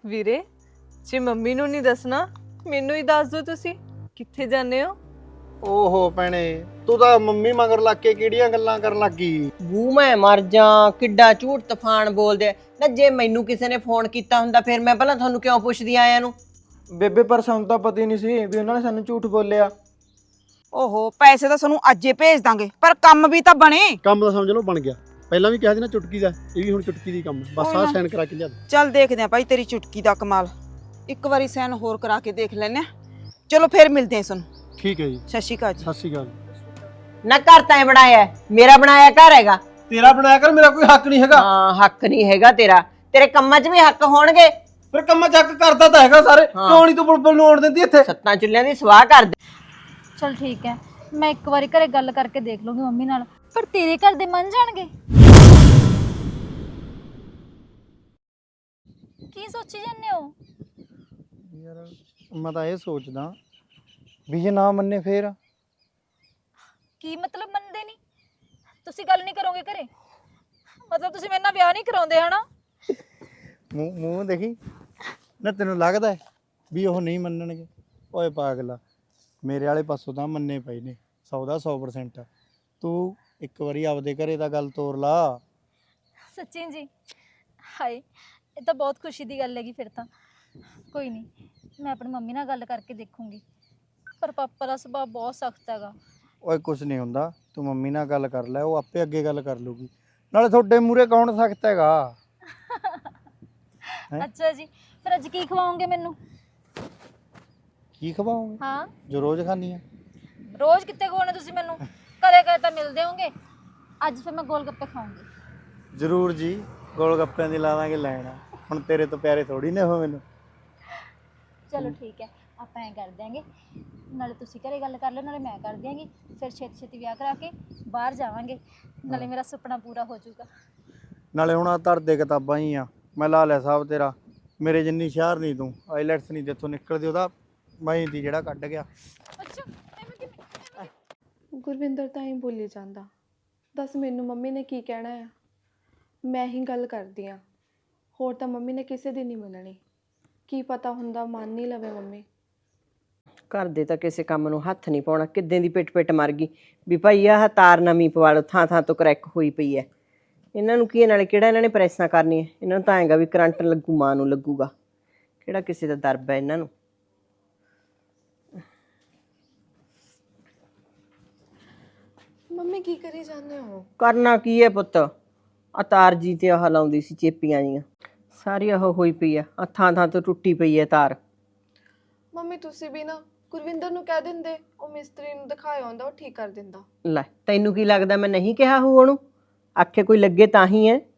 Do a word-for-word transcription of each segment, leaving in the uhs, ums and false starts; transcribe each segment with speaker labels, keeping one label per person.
Speaker 1: ਵੀਰੇ ਜੇ ਮੰਮੀ ਨੂੰ ਨਹੀਂ ਦੱਸਣਾ ਮੈਨੂੰ ਹੀ ਦੱਸ ਦਿਓ ਤੁਸੀਂ ਕਿੱਥੇ ਜਾਂਦੇ ਹੋ।
Speaker 2: ਓਹੋ ਭੈਣੇ ਤੂੰ ਤਾਂ ਮੰਮੀ ਮਗਰ ਲੱਗ ਕੇ ਕਿਹੜੀਆਂ ਗੱਲਾਂ ਕਰਨ ਲੱਗੀ।
Speaker 3: ਬੂ ਮੈਂ ਮਰ ਜਾ ਕਿੱਡਾ ਝੂਠ ਤੂਫਾਨ ਬੋਲਦੇ ਨਾ। ਜੇ ਮੈਨੂੰ ਕਿਸੇ ਨੇ ਫੋਨ ਕੀਤਾ ਹੁੰਦਾ ਫਿਰ ਮੈਂ ਪਹਿਲਾਂ ਤੁਹਾਨੂੰ ਕਿਉਂ ਪੁੱਛਦੀ ਆਇਆਂ ਨੂੰ।
Speaker 4: ਬੇਬੇ ਪਰ ਸਾਨੂੰ ਤਾਂ ਪਤਾ ਹੀ ਨਹੀਂ ਸੀ ਵੀ ਉਹਨਾਂ ਨੇ ਸਾਨੂੰ ਝੂਠ ਬੋਲਿਆ।
Speaker 5: ਓਹੋ ਪੈਸੇ ਤਾਂ ਸਾਨੂੰ ਅੱਜੇ ਭੇਜ ਦਾਂਗੇ ਪਰ ਕੰਮ ਵੀ ਤਾਂ ਬਣੇ।
Speaker 2: ਕੰਮ ਤਾਂ ਸਮਝ ਲਓ ਬਣ ਗਿਆ। ਪਹਿਲਾਂ ਵੀ ਕਿਹਾ ਸੀ ਨਾ ਚੁਟਕੀ ਦਾ, ਇਹ ਵੀ ਹੁਣ ਚੁਟਕੀ ਦੀ ਕੰਮ ਹੈ। ਬਸ
Speaker 5: ਕੋਈ
Speaker 2: ਆਹ
Speaker 5: ਨਾ।
Speaker 2: ਸਾਈਨ ਕਰਾ ਕੇ ਲਿਆ ਦੇ।
Speaker 5: ਚੱਲ ਦੇਖਦੇ ਆ ਭਾਈ ਤੇਰੀ ਚੁਟਕੀ ਦਾ ਕਮਾਲ। ਇੱਕ ਵਾਰੀ ਸੈਨ ਹੋਰ ਕਰਾ ਕੇ ਦੇਖ ਲੈਨੇ ਆ। ਚਲੋ ਫਿਰ ਮਿਲਦੇ ਆ ਸਾਨੂੰ।
Speaker 2: ਠੀਕ ਹੈ ਜੀ,
Speaker 5: ਸਤਿ ਸ਼੍ਰੀ ਅਕਾਲ ਜੀ।
Speaker 2: ਸਤਿ ਸ਼੍ਰੀ ਅਕਾਲ।
Speaker 3: ਨਾ ਘਰ ਤਾਂ ਬਣਾਇਆ ਹੈ, ਮੇਰਾ ਬਣਾਇਆ ਘਰ ਹੈਗਾ।
Speaker 4: ਤੇਰਾ ਬਣਾਇਆ ਕਰ, ਮੇਰਾ ਕੋਈ ਹੱਕ ਨਹੀਂ ਹੈਗਾ।
Speaker 3: ਹਾਂ ਹੱਕ ਨਹੀਂ ਹੈਗਾ ਤੇਰਾ, ਤੇਰੇ ਕੰਮਾਂ 'ਚ ਵੀ ਹੱਕ ਹੋਣਗੇ।
Speaker 4: ਫਿਰ ਕੰਮਾਂ ਚੱਕ ਕਰਦਾ ਤਾਂ ਹੈਗਾ ਸਾਰੇ। ਕਿਉਂ ਨਹੀਂ ਤੂੰ ਬੁਲਬੁਲ ਨੂੰ ਆਉਣ ਦਿੰਦੀ ਇੱਥੇ?
Speaker 3: ਸੱਤਾਂ ਚੁੱਲ੍ਹਿਆਂ ਦੀ ਸਵਾਹ ਕਰ ਦੇ।
Speaker 6: ਚਲ ਠੀਕ ਹੈ, ਮੈਂ ਇੱਕ ਵਾਰੀ ਘਰੇ ਗੱਲ ਕਰਕੇ ਦੇਖ ਲੂੰਗੀ ਮੰਮੀ ਨਾਲ। ਪਰ ਤੇਰੇ ਘਰ ਦੇ ਮੰਨ ਜਾਣਗੇ? ਕੀ ਸੋਚੀ ਜਾਂਦੇ ਹੋ?
Speaker 2: ਯਾਰ ਮੈਂ ਤਾਂ ਇਹ ਸੋਚਦਾ ਵੀ ਜੇ ਨਾ ਮੰਨੇ ਫੇਰ।
Speaker 6: ਕੀ ਮਤਲਬ ਮੰਨਦੇ ਨਹੀਂ? ਤੁਸੀਂ ਗੱਲ ਨਹੀਂ ਕਰੋਗੇ ਘਰੇ? ਮਤਲਬ ਤੁਸੀਂ ਮੇਰੇ ਨਾਲ ਵਿਆਹ ਨਹੀਂ ਕਰਾਉਂਦੇ ਹਨਾ?
Speaker 2: ਮੂੰਹ ਮੂੰਹ ਦੇਖੀ ਨਾ, ਤੈਨੂੰ ਲੱਗਦਾ ਹੈ ਵੀ ਉਹ ਨਹੀਂ ਮੰਨਣਗੇ? ਓਏ ਪਾਗਲਾ, ਮੇਰੇ ਵਾਲੇ ਪਾਸੋਂ ਤਾਂ ਮੰਨੇ ਪਏ ਨੇ ਸੌ ਦਾ ਸੌ ਪਰਸੈਂਟ। ਤੂੰ ਇੱਕ ਵਾਰੀ ਆਪਦੇ ਘਰੇ ਦਾ ਗੱਲ ਤੋਰ ਲਾ।
Speaker 6: ਸੱਚੀ ਜੀ? ਹਾਏ ਇਹ ਤਾਂ ਬਹੁਤ ਖੁਸ਼ੀ ਦੀ ਗੱਲ ਹੈਗੀ। ਫਿਰ ਤਾਂ ਕੋਈ ਨਹੀਂ, ਮੈਂ ਆਪਣੀ ਮੰਮੀ ਨਾਲ ਗੱਲ ਕਰਕੇ ਦੇਖੂੰਗੀ। ਪਰ ਪਾਪਾ ਦਾ ਸੁਭਾਅ ਬਹੁਤ ਸਖਤ ਹੈਗਾ।
Speaker 2: ਓਏ ਕੁਛ ਨਹੀਂ ਹੁੰਦਾ, ਤੂੰ ਮੰਮੀ ਨਾਲ ਗੱਲ ਕਰ ਲੈ, ਉਹ ਆਪੇ ਅੱਗੇ ਗੱਲ ਕਰ ਲੂਗੀ। ਨਾਲੇ ਤੁਹਾਡੇ ਮੂਹਰੇ ਕੌਣ ਸਖਤ ਹੈਗਾ? ਹੈਂ?
Speaker 6: ਅੱਛਾ ਜੀ, ਫਿਰ ਅੱਜ ਕੀ ਖਵਾਓਗੇ ਮੈਨੂੰ?
Speaker 2: ਕੀ ਖਵਾਉਂਗੇ
Speaker 6: ਹਾਂ,
Speaker 2: ਜੋ ਰੋਜ਼ ਖਾਂਦੀ ਆ?
Speaker 6: ਰੋਜ਼ ਕਿੱਥੇ ਖਵਾਉਣੇ ਤੁਸੀਂ ਮੈਨੂੰ? ਕਦੇ ਕਦੇ ਤਾਂ ਮਿਲਦੇ ਹੋਗੇ। ਅੱਜ ਫਿਰ ਮੈਂ ਗੋਲ ਗੱਪੇ ਖਾਊਂਗੀ।
Speaker 2: ਜ਼ਰੂਰ ਜੀ, ਗੋਲ ਗੱਪਿਆਂ ਦੀ ਲਾ ਦਾਂਗੇ ਲੈਣਾ। ਹੁਣ ਤੇਰੇ ਤੋਂ ਪਿਆਰੇ ਥੋੜੀ ਨੇ ਉਹ ਮੈਨੂੰ।
Speaker 6: ਚਲੋ ਠੀਕ ਹੈ, ਆਪਾਂ ਐਂ ਕਰ ਦਿਆਂਗੇ, ਨਾਲੇ ਤੁਸੀਂ ਘਰੇ ਗੱਲ ਕਰ ਲਓ ਨਾਲੇ ਮੈਂ ਕਰ ਦਿਆਂਗੀ। ਫਿਰ ਛੇਤੀ ਛੇਤੀ ਵਿਆਹ ਕਰਾ ਕੇ ਬਾਹਰ ਜਾਵਾਂਗੇ, ਨਾਲੇ ਮੇਰਾ ਸੁਪਨਾ ਪੂਰਾ ਹੋ ਜਾਊਗਾ।
Speaker 2: ਨਾਲੇ ਹੁਣ ਆ ਧਰਦੇ ਕਿਤਾਬਾਂ ਹੀ ਆ, ਮੈਂ ਲਾ ਲਿਆ ਸਾਹਿਬ ਤੇਰਾ। ਮੇਰੇ ਜਿੰਨੀ ਸ਼ਹਿਰ ਨਹੀਂ ਤੂੰ, ਆਈਲੈਟਸ ਨਹੀਂ ਜਿੱਥੋਂ ਨਿਕਲਦੀ ਉਹਦਾ ਮੈਂ ਹੀ ਦੀ ਜਿਹੜਾ ਕੱਢ ਗਿਆ।
Speaker 6: ਅੱਛਾ ਐਵੇਂ ਕਿਵੇਂ?
Speaker 7: ਗੁਰਵਿੰਦਰ ਤਾਂ ਹੀ ਬੋਲੀ ਜਾਂਦਾ। ਦੱਸ ਮੈਨੂੰ ਮੰਮੀ ਨੇ ਕੀ ਕਹਿਣਾ ਆ? ਮੈਂ ਹੀ ਗੱਲ ਕਰਦੀ ਆ, ਹੋਰ ਤਾਂ ਮੰਮੀ ਨੇ ਕਿਸੇ ਦੀ ਨਹੀਂ ਮੰਨਣੀ। ਕੀ ਪਤਾ ਹੁੰਦਾ ਮੰਨ ਨਹੀਂ ਲਵੇ ਮੰਮੀ।
Speaker 3: ਘਰ ਦੇ ਤਾਂ ਕਿਸੇ ਕੰਮ ਨੂੰ ਹੱਥ ਨਹੀਂ ਪਾਉਣਾ। ਕਿੱਦਾਂ ਦੀ ਪਿੱਟ ਪਿੱਟ ਮਰ ਗਈ ਵੀ ਭਾਈ ਆਹ ਤਾਰ ਨਵੀਂ ਪਵਾ ਲਓ, ਥਾਂ ਥਾਂ ਤੋਂ ਕਰੈਕ ਹੋਈ ਪਈ ਹੈ। ਇਹਨਾਂ ਨੂੰ ਕੀ ਹੈ, ਨਾਲੇ ਕਿਹੜਾ ਇਹਨਾਂ ਨੇ ਪ੍ਰੈਸਾਂ ਕਰਨੀਆਂ? ਇਹਨਾਂ ਨੂੰ ਤਾਂ ਆਏਗਾ ਵੀ ਕਰੰਟ ਲੱਗੂ, ਮਾਂ ਨੂੰ ਲੱਗੂਗਾ। ਕਿਹੜਾ ਕਿਸੇ ਦਾ ਦਰਬ ਹੈ ਇਹਨਾਂ ਨੂੰ?
Speaker 7: ਮੰਮੀ ਕੀ ਕਰੀ ਜਾਂਦੇ ਹੋ?
Speaker 3: ਕਰਨਾ ਕੀ ਹੈ ਪੁੱਤ, ਆ ਤਾਰ ਜੀ ਤੇ ਆਹ ਲਾਉਂਦੀ ਸੀ ਚੇਪੀਆਂ ਜੀਆਂ, ਸਾਰੀ ਉਹ ਹੋਈ ਪਈ ਆ। ਆ ਥਾਂ ਥਾਂ ਤੋਂ ਟੁੱਟੀ ਪਈ ਹੈ ਤਾਰ।
Speaker 7: ਮੰਮੀ ਤੁਸੀਂ ਵੀ ਨਾ ਗੁਰਵਿੰਦਰ ਨੂੰ ਕਹਿ ਦਿੰਦੇ, ਉਹ ਮਿਸਤਰੀ ਨੂੰ ਦਿਖਾਇਆ ਹੁੰਦਾ, ਉਹ ਠੀਕ ਕਰ ਦਿੰਦਾ।
Speaker 3: ਲੈ ਤੈਨੂੰ ਕੀ ਲੱਗਦਾ ਮੈਂ ਨਹੀਂ ਕਿਹਾ ਹੂ ਉਹਨੂੰ? ਆਖੇ ਕੋਈ ਲੱਗੇ ਤਾਂ ਹੀ ਹੈ।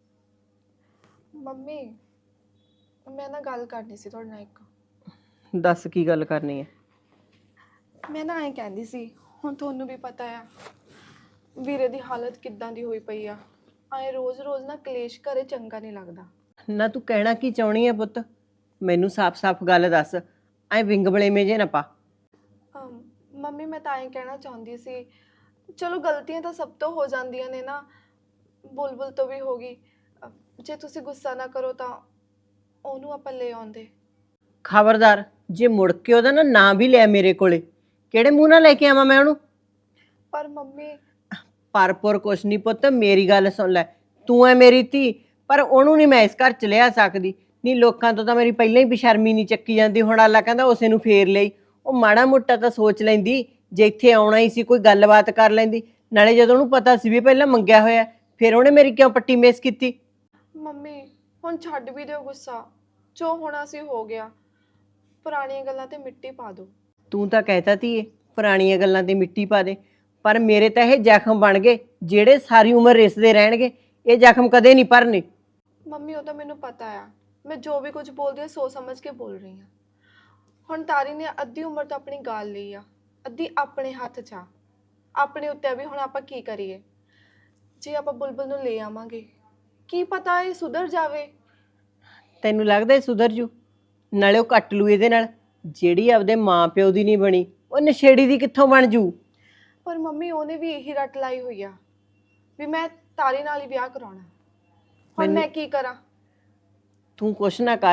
Speaker 7: ਮੰਮੀ ਮੈਂ ਨਾ ਗੱਲ ਕਰਨੀ ਸੀ ਤੁਹਾਡੇ ਨਾਲ ਇੱਕ।
Speaker 3: ਦੱਸ ਕੀ ਗੱਲ ਕਰਨੀ ਹੈ?
Speaker 7: ਮੈਂ ਨਾ ਐਂ ਕਹਿੰਦੀ ਸੀ, ਹੁਣ ਤੁਹਾਨੂੰ ਵੀ ਪਤਾ ਆ ਵੀਰੇ ਦੀ ਹਾਲਤ ਕਿੱਦਾਂ ਦੀ ਹੋਈ ਪਈ ਆ। ਐਂ ਰੋਜ਼-ਰੋਜ਼ ਨਾ ਕਲੇਸ਼ ਘਰੇ ਚੰਗਾ ਨਹੀਂ ਲੱਗਦਾ।
Speaker 3: ਨਾ ਤੂੰ ਕਹਿਣਾ ਕੀ ਚਾਹੁੰਦੀ ਹੈ ਪੁੱਤ? ਮੈਨੂੰ ਸਾਫ਼-ਸਾਫ਼ ਗੱਲ ਦੱਸ, ਐ ਵਿੰਗਬਲੇਵੇਂ ਜੇ ਨਾ ਪਾ।
Speaker 7: ਅਮ, ਮੰਮੀ ਮੈਂ ਤਾਂ ਐਂ ਕਹਿਣਾ ਚਾਹੁੰਦੀ ਸੀ, ਚਲੋ ਗਲਤੀਆਂ ਤਾਂ ਸਭ ਤੋਂ ਹੋ ਜਾਂਦੀਆਂ ਨੇ ਨਾ, ਬੁਲਬੁਲ ਤੋਂ ਵੀ ਹੋ ਗਈ। ਅ, ਜੇ ਤੁਸੀਂ ਗੁੱਸਾ ਨਾ ਕਰੋ ਤਾਂ ਉਹਨੂੰ ਆਪਾਂ ਲੈ ਆਉਂਦੇ।
Speaker 3: ਖਬਰਦਾਰ ਜੇ ਮੁੜ ਕੇ ਉਹਦਾ ਨਾ ਨਾਂ ਵੀ ਲਿਆ ਮੇਰੇ ਕੋਲੇ, ਕਿਹੜੇ ਮੂੰਹ ਨਾਲ ਲੈ ਕੇ ਆਵਾਂ ਮੈਂ ਉਹਨੂੰ?
Speaker 7: ਪਰ ਮੰਮੀ
Speaker 3: ਪਰਪੁਰ ਕੁਛ ਨਹੀਂ ਪੁੱਤ, ਮੇਰੀ ਗੱਲ ਸੁਣ ਲੈ। ਤੂੰ ਐ ਮੇਰੀ ਧੀ, ਪਰ ਉਹਨੂੰ ਨਹੀਂ ਮੈਂ ਇਸ ਘਰ ਚ ਲਿਆ ਸਕਦੀ। ਨਹੀਂ ਲੋਕਾਂ ਤੋਂ ਤਾਂ ਮੇਰੀ ਪਹਿਲਾਂ ਹੀ ਬੇਸ਼ਰਮੀ ਨਹੀਂ ਚੱਕੀ ਜਾਂਦੀ, ਹੁਣ ਆਲਾ ਕਹਿੰਦਾ ਉਸੇ ਨੂੰ ਫੇਰ ਲਈ। ਉਹ ਮਾੜਾ ਮੋਟਾ ਤਾਂ ਸੋਚ ਲੈਂਦੀ, ਜੇ ਇੱਥੇ ਆਉਣਾ ਹੀ ਸੀ ਕੋਈ ਗੱਲਬਾਤ ਕਰ ਲੈਂਦੀ। ਨਾਲੇ ਜਦੋਂ ਉਹਨੂੰ ਪਤਾ ਸੀ ਵੀ ਪਹਿਲਾਂ ਮੰਗਿਆ ਹੋਇਆ, ਫਿਰ ਉਹਨੇ ਮੇਰੀ ਕਿਉਂ ਪੱਟੀ ਮੇਸ ਕੀਤੀ?
Speaker 7: ਮੰਮੀ ਹੁਣ ਛੱਡ ਵੀ ਦਿਓ ਗੁੱਸਾ, ਜੋ ਹੋਣਾ ਸੀ ਹੋ ਗਿਆ। ਪੁਰਾਣੀਆਂ ਗੱਲਾਂ ਤੇ ਮਿੱਟੀ ਪਾ ਦਿਓ।
Speaker 3: ਤੂੰ ਤਾਂ ਕਹਿਤਾ ਧੀਏ ਪੁਰਾਣੀਆਂ ਗੱਲਾਂ ਤੇ ਮਿੱਟੀ ਪਾ ਦੇ, ਪਰ ਮੇਰੇ ਤਾਂ ਇਹ ਜ਼ਖਮ ਬਣ ਗਏ ਜਿਹੜੇ ਸਾਰੀ ਉਮਰ ਰਿਸਦੇ ਰਹਿਣਗੇ। ਇਹ ਜ਼ਖਮ ਕਦੇ ਨਹੀਂ ਭਰਨੇ।
Speaker 7: ਮੰਮੀ ਉਹ ਤਾਂ ਮੈਨੂੰ ਪਤਾ ਆ, ਮੈਂ ਜੋ ਵੀ ਕੁਝ ਬੋਲਦੀ ਹਾਂ ਸੋਚ ਸਮਝ ਕੇ ਬੋਲ ਰਹੀ ਹਾਂ। ਹੁਣ ਤਾਰੀ ਨੇ ਅੱਧੀ ਉਮਰ ਤਾਂ ਆਪਣੀ ਗਾਲ ਲਈ ਆ, ਅੱਧੀ ਆਪਣੇ ਹੱਥ 'ਚ ਆ। ਆਪਣੇ ਉੱਤੇ ਵੀ ਹੁਣ ਆਪਾਂ ਕੀ ਕਰੀਏ? ਜੇ ਆਪਾਂ ਬੁਲਬੁਲ ਨੂੰ ਲੈ ਆਵਾਂਗੇ, ਕੀ ਪਤਾ ਇਹ ਸੁਧਰ ਜਾਵੇ।
Speaker 3: ਤੈਨੂੰ ਲੱਗਦਾ ਇਹ ਸੁਧਰ ਜੂ? ਨਾਲੇ ਉਹ ਕੱਟ ਲੂ ਇਹਦੇ ਨਾਲ। ਜਿਹੜੀ ਆਪਦੇ ਮਾਂ ਪਿਓ ਦੀ ਨਹੀਂ ਬਣੀ, ਉਹ ਨਸ਼ੇੜੀ ਦੀ ਕਿੱਥੋਂ ਬਣ ਜੂ?
Speaker 7: ਪਰ ਮੰਮੀ ਉਹਨੇ ਵੀ ਇਹੀ ਰੱਟ ਲਾਈ ਹੋਈ ਆ ਵੀ ਮੈਂ ਤਾਰੀ ਨਾਲ ਹੀ ਵਿਆਹ ਕਰਾਉਣਾ। ਹੁਣ ਮੈਂ ਕੀ ਕਰਾਂ?
Speaker 3: ਤੂੰ ਕੁਛ ਨਾ ਕਰ,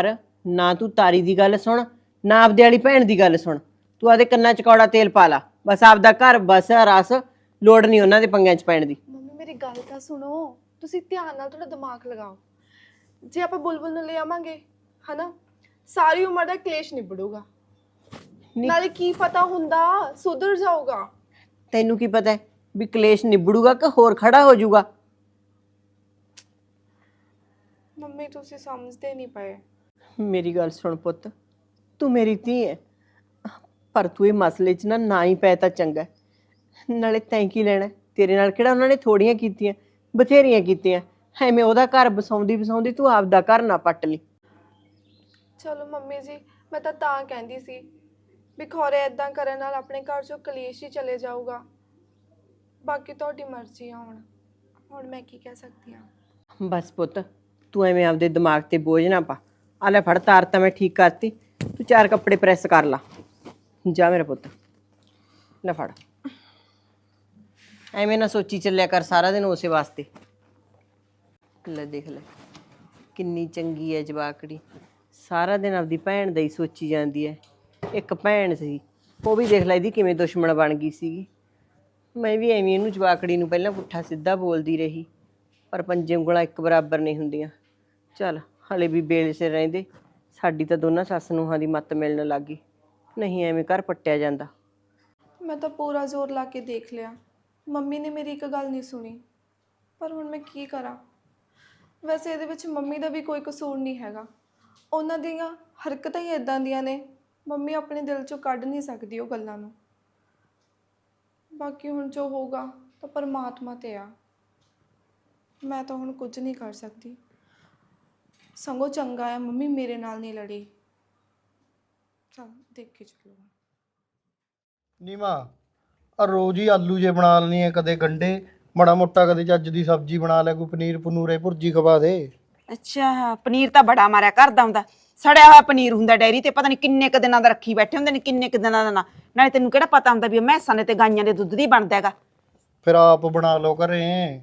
Speaker 3: ਨਾ ਤੂੰ ਤਾਰੀ ਦੀ ਗੱਲ ਸੁਣ, ਨਾ ਆਪਦੇ ਵਾਲੀ ਭੈਣ ਦੀ ਗੱਲ ਸੁਣ। ਤੂੰ ਆਦੇ ਕੰਨਾਂ 'ਚ ਕੌੜਾ ਤੇਲ ਪਾ ਲਾ, ਬਸ ਆਪਦਾ ਘਰ ਬਸ ਰਸ, ਲੋੜ ਨਹੀਂ ਉਹਨਾਂ ਦੇ ਪੰਗਿਆਂ 'ਚ ਪੈਣ ਦੀ।
Speaker 7: ਮੰਮੀ ਮੇਰੀ ਗੱਲ ਤਾਂ ਸੁਣੋ, ਤੁਸੀਂ ਧਿਆਨ ਨਾਲ ਥੋੜਾ ਦਿਮਾਗ ਲਗਾਓ। ਜੇ ਆਪਾਂ ਬੁਲਬੁਲ ਨੂੰ ਲੈ ਆਵਾਂਗੇ ਹਨਾ, ਸਾਰੀ ਉਮਰ ਦਾ ਕਲੇਸ਼ ਨਿਬੜੂਗਾ। ਨਾਲੇ ਕੀ ਪਤਾ ਹੁੰਦਾ ਸੁਧਰ ਜਾਊਗਾ।
Speaker 3: ਤੈਨੂੰ ਕੀ ਪਤਾ ਵੀ ਕਲੇਸ਼ ਨਿਬੜੂਗਾ ਕਿ ਹੋਰ ਖੜਾ ਹੋ ਜਾਊਗਾ?
Speaker 7: ਮੰਮੀ ਤੁਸੀਂ ਸਮਝਦੇ ਨਹੀਂ ਪਏ।
Speaker 3: ਮੇਰੀ ਗੱਲ ਸੁਣ ਪੁੱਤ, ਤੂੰ ਮੇਰੀ ਧੀ ਹੈ, ਪਰ ਤੂੰ ਇਹ ਮਸਲੇ 'ਚ ਨਾ ਨਾ ਹੀ ਪੈ ਤਾਂ ਚੰਗਾ। ਨਾਲੇ ਤੈਂ ਕੀ ਲੈਣਾ? ਤੇਰੇ ਨਾਲ ਕਿਹੜਾ ਉਹਨਾਂ ਨੇ ਥੋੜੀਆਂ ਕੀਤੀਆਂ, ਬਥੇਰੀਆਂ ਕੀਤੀਆਂ। ਐਵੇਂ ਉਹਦਾ ਘਰ ਬਸਾਉਂਦੀ ਬਸਾਉਂਦੀ ਤੂੰ ਆਪਦਾ ਘਰ ਨਾ ਪੱਟ ਲਈ।
Speaker 7: ਚਲੋ ਮੰਮੀ ਜੀ, ਮੈਂ ਤਾਂ ਤਾਂ ਕਹਿੰਦੀ ਸੀ ਵੀ ਖੌਰੇ ਇਦਾਂ ਕਰਨ ਨਾਲ ਆਪਣੇ ਘਰ 'ਚੋਂ ਕਲੇਸ਼ ਹੀ ਚਲੇ ਜਾਊਗਾ। ਬਾਕੀ ਤੁਹਾਡੀ ਮਰਜ਼ੀ ਆ। ਹੁਣ ਹੁਣ ਮੈਂ ਕੀ ਕਹਿ ਸਕਦੀ ਹਾਂ।
Speaker 3: ਬਸ ਪੁੱਤ, ਤੂੰ ਐਵੇਂ ਆਪਦੇ ਦਿਮਾਗ ਤੇ ਬੋਝ ਨਾ ਪਾ। ਆ ਲੈ ਫੜ, ਤਾਰ ਤਾਂ ਮੈਂ ਠੀਕ ਕਰਤੀ, ਤੂੰ ਚਾਰ ਕੱਪੜੇ ਪ੍ਰੈਸ ਕਰ ਲਾ। ਜਾ ਮੇਰਾ ਪੁੱਤ, ਲੈ ਫੜ। ਐਵੇਂ ਨਾ ਸੋਚੀ ਚੱਲਿਆ ਕਰ ਸਾਰਾ ਦਿਨ ਉਸੇ ਵਾਸਤੇ। ਲੈ ਦੇਖ ਲੈ ਕਿੰਨੀ ਚੰਗੀ ਹੈ ਜਵਾਕੜੀ, ਸਾਰਾ ਦਿਨ ਆਪਦੀ ਭੈਣ ਦਾ ਹੀ ਸੋਚੀ ਜਾਂਦੀ ਹੈ। ਇੱਕ ਭੈਣ ਸੀ, ਉਹ ਵੀ ਦੇਖ ਲੈ ਇਹਦੀ ਕਿਵੇਂ ਦੁਸ਼ਮਣ ਬਣ ਗਈ ਸੀਗੀ। ਮੈਂ ਵੀ ਐਵੇਂ ਇਹਨੂੰ ਜਵਾਕੜੀ ਨੂੰ ਪਹਿਲਾਂ ਪੁੱਠਾ ਸਿੱਧਾ ਬੋਲਦੀ ਰਹੀ, ਪਰ ਪੰਜੇ ਉਂਗਲਾਂ ਇੱਕ ਬਰਾਬਰ ਨਹੀਂ ਹੁੰਦੀਆਂ। ਚੱਲ ਹਲੇ ਵੀ ਬੇਲ ਸਿਰ ਰਹਿੰਦੇ, ਸਾਡੀ ਤਾਂ ਦੋਨਾਂ ਸੱਸ ਨੂੰਹਾਂ ਦੀ ਮੱਤ ਮਿਲਣ ਲੱਗ ਗਈ, ਨਹੀਂ ਐਵੇਂ ਘਰ ਪੱਟਿਆ ਜਾਂਦਾ।
Speaker 7: ਮੈਂ ਤਾਂ ਪੂਰਾ ਜ਼ੋਰ ਲਾ ਕੇ ਦੇਖ ਲਿਆ, ਮੰਮੀ ਨੇ ਮੇਰੀ ਇੱਕ ਗੱਲ ਨਹੀਂ ਸੁਣੀ। ਪਰ ਹੁਣ ਮੈਂ ਕੀ ਕਰਾਂ? ਵੈਸੇ ਇਹਦੇ ਵਿੱਚ ਮੰਮੀ ਦਾ ਵੀ ਕੋਈ ਕਸੂਰ ਨਹੀਂ ਹੈਗਾ, ਉਹਨਾਂ ਦੀਆਂ ਹਰਕਤਾਂ ਹੀ ਇਦਾਂ ਦੀਆਂ ਨੇ। ਮੰਮੀ ਆਪਣੇ ਦਿਲ 'ਚੋਂ ਕੱਢ ਨਹੀਂ ਸਕਦੀ ਉਹ ਗੱਲਾਂ ਨੂੰ। ਬਾਕੀ ਹੁਣ ਜੋ ਹੋਊਗਾ ਤਾਂ ਪਰਮਾਤਮਾ ਤੇ ਆ, ਮੈਂ ਤਾਂ ਹੁਣ ਕੁਝ ਨਹੀਂ ਕਰ ਸਕਦੀ। ਸੰਗੋ ਚੰਗਾ ਆ ਮੰਮੀ ਮੇਰੇ ਨਾਲ ਨਹੀਂ ਲੜੀ। ਚਲ ਦੇਖ ਕੇ ਚਲੋ।
Speaker 2: ਨੀਮਾ ਆ ਰੋਜ਼ ਹੀ ਆਲੂ ਜੇ ਬਣਾ ਲੈਣੀ ਹੈ, ਕਦੇ ਗੰਡੇ, ਮਾੜਾ ਮੋਟਾ ਕਦੇ ਚੱਜ ਦੀ ਸਬਜ਼ੀ ਬਣਾ ਲੈ, ਕੋਈ ਪਨੀਰ ਪਨੂਰੇ ਭੁਰਜੀ ਖਵਾ ਦੇ।
Speaker 5: ਅੱਛਾ, ਪਨੀਰ ਤਾਂ ਬੜਾ ਮਾਰਿਆ ਘਰ ਦਾ ਹੁੰਦਾ, ਸੜਿਆ ਹੋਇਆ ਪਨੀਰ ਹੁੰਦਾ ਡੈਰੀ ਤੇ, ਪਤਾ ਨਹੀਂ ਕਿੰਨੇ ਕੁ ਦਿਨਾਂ ਦਾ ਰੱਖੀ ਬੈਠੇ ਹੁੰਦੇ ਨੇ, ਕਿੰਨੇ ਕੁ ਦਿਨਾਂ ਦਾ ਨਾ। ਨਾਲੇ ਤੈਨੂੰ ਕਿਹੜਾ ਪਤਾ ਹੁੰਦਾ ਵੀ ਉਹ ਮੈਸਾਂ ਨੇ ਤੇ ਗਾਈਆਂ ਦੇ ਦੁੱਧ ਦੀ ਬਣਦਾ ਹੈਗਾ।
Speaker 2: ਫਿਰ ਆਪ ਬਣਾ ਲਓ ਘਰੇ।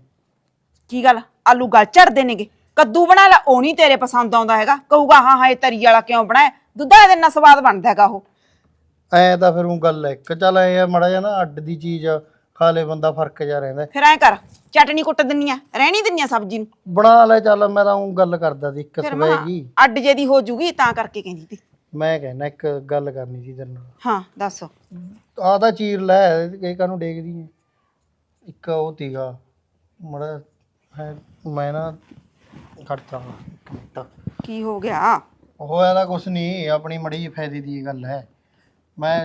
Speaker 5: ਕੀ ਗੱਲ, ਆਲੂ ਗਲ ਝੜਦੇ ਨੇਗੇ? ਕੱਦੂ ਬਣਾ ਲੈ, ਉਹ ਨਹੀਂ ਤੇਰੇ ਪਸੰਦ ਆਉਂਦਾ ਹੈਗਾ, ਕਹੂਗਾ ਹਾਂ ਹਾਂ ਇਹ ਤਰੀ ਵਾਲਾ ਕਿਉਂ ਬਣਾਇਆ, ਦੁੱਧਾ ਦੇ ਨਾਲ ਸਵਾਦ ਬਣਦਾ ਹੈਗਾ ਉਹ।
Speaker 2: ਐ ਤਾਂ ਫਿਰ ਉਹ ਗੱਲ ਹੈ ਇੱਕ, ਚੱਲ ਐ ਮਾੜਾ ਜਿਹਾ ਨਾ ਅੱਡ ਦੀ ਚੀਜ਼ ਖਾ ਲੇ ਬੰਦਾ, ਫਰਕ ਜਿਹਾ ਰਹਿੰਦਾ।
Speaker 5: ਫਿਰ ਐਂ ਕਰ, ਚਟਨੀ ਕੁੱਟ ਦਿੰਨੀ ਆ, ਰਹਿਣੀ ਦਿੰਨੀ ਆ ਸਬਜ਼ੀ ਨੂੰ,
Speaker 2: ਬਣਾ ਲੈ। ਚੱਲ ਮੈਂ ਤਾਂ ਉਹ ਗੱਲ ਕਰਦਾ ਸੀ ਇੱਕ
Speaker 5: ਫਿਰ
Speaker 2: ਸਵੇਗੀ,
Speaker 5: ਅੱਡ ਜੇ ਦੀ ਹੋ ਜੂਗੀ ਤਾਂ ਕਰਕੇ ਕਹਿੰਦੀ ਤੀ।
Speaker 2: ਮੈਂ ਕਹਿਣਾ ਇੱਕ ਗੱਲ ਕਰਨੀ ਸੀ ਤੇਰੇ ਨਾਲ।
Speaker 5: ਹਾਂ ਦੱਸ।
Speaker 2: ਆਹ ਤਾਂ ਚੀਰ ਲੈ, ਇਹ ਕਾਹਨੂੰ ਡੇਗਦੀ ਹੈ? ਇੱਕ ਉਹ ਤੀਗਾ ਮੜਾ ਹੈ, ਮੈਂ ਨਾ ਖੜਤਾ ਇੱਕ ਮਿੰਟ।
Speaker 5: ਕੀ ਹੋ ਗਿਆ?
Speaker 2: ਹੋਇਆ ਤਾਂ ਕੁਛ ਨਹੀਂ, ਆਪਣੀ ਮੜੀ ਜਿਹੀ ਫਾਇਦੇ ਦੀ ਗੱਲ ਹੈ। ਮੈਂ